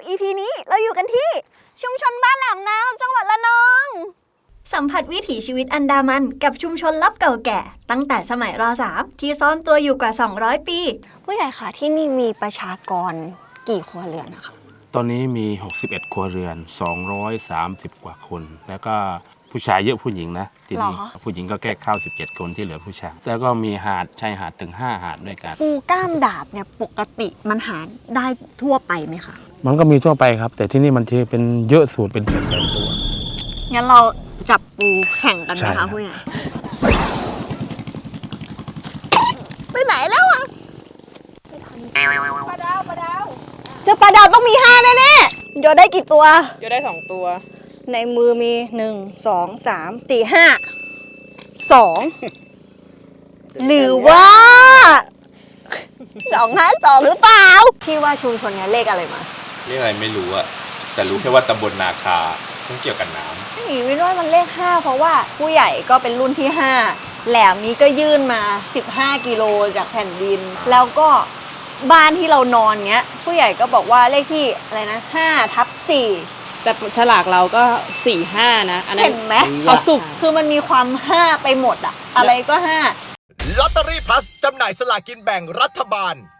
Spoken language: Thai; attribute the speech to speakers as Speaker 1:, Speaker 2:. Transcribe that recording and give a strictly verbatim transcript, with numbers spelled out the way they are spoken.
Speaker 1: อี พี นี้เราอยู่กันที่ชุมชนบ้านแหลมนาวจังหวัดระนองสัมผัสวิถีชีวิตอันดามันกับชุมชนลับเก่าแก่ตั้งแต่สมัยร.สาม ที่ซ่อนตัวอยู่กว่าสองร้อยปีผู้ใหญ่ค่ะที่นี่มีประชากรกี่ครัวเรือนนะคะ
Speaker 2: ตอนนี้มีหกสิบเอ็ดครัวเรือนสองร้อยสามสิบกว่าคนแล้วก็ผู้ชายเยอะผู้หญิงนะที่นี่ผู้หญิงก็แค่เข้าสิบเจ็ดคนที่เหลือผู้ชายแล้วก็มีหาดชายหาดถึงห้าหาดด้วยกัน
Speaker 1: ปูก้ามดาบเนี่ยปกติมันหาได้ทั่วไปไหมคะ
Speaker 2: มันก็มีทั่วไปครับแต่ที่นี่มันจะเป็นเยอะสุดเป็นแสนๆตัว
Speaker 1: งั้นเราจับปูแข่งกันไหมคะผู้ใหญ่ไปไหนแล้วอะปลาดาวปลาดาวเจอปลาดาวต้องมีห้าแน่ๆโยนได้กี่ตัว
Speaker 3: โยนได้สองตัว
Speaker 1: ในมือมีหนึ่งสองสามสี่ห้าสองหรือว่าสองห้าสองหรือเปล่าพี่ว่าชุมชนนี้เลขอะไรมา
Speaker 4: เลขอะไรไม่รู้อะแต่รู้แค่ว่าตำบลนาคาต้องเกี่ยวกับน้ำ
Speaker 1: นี่ไม่รู้มันเลขห้าเพราะว่าผู้ใหญ่ก็เป็นรุ่นที่ห้าแหลมนี้ก็ยื่นมาสิบห้ากิโลจากแผ่นดินแล้วก็บ้านที่เรานอนเงี้ยผู้ใหญ่ก็บอกว่าเลขที่อะไรนะห้าทับสี่
Speaker 3: แต่ฉลากเราก็สี่ห้านะอันนั้น
Speaker 1: เห็นไหม
Speaker 3: เขาสุก
Speaker 1: คือมันมีความห้าไปหมดอะอะไรก็ห้า
Speaker 5: ลอตเตอรี่พลัสจำหน่ายสลากกินแบ่งรัฐบาล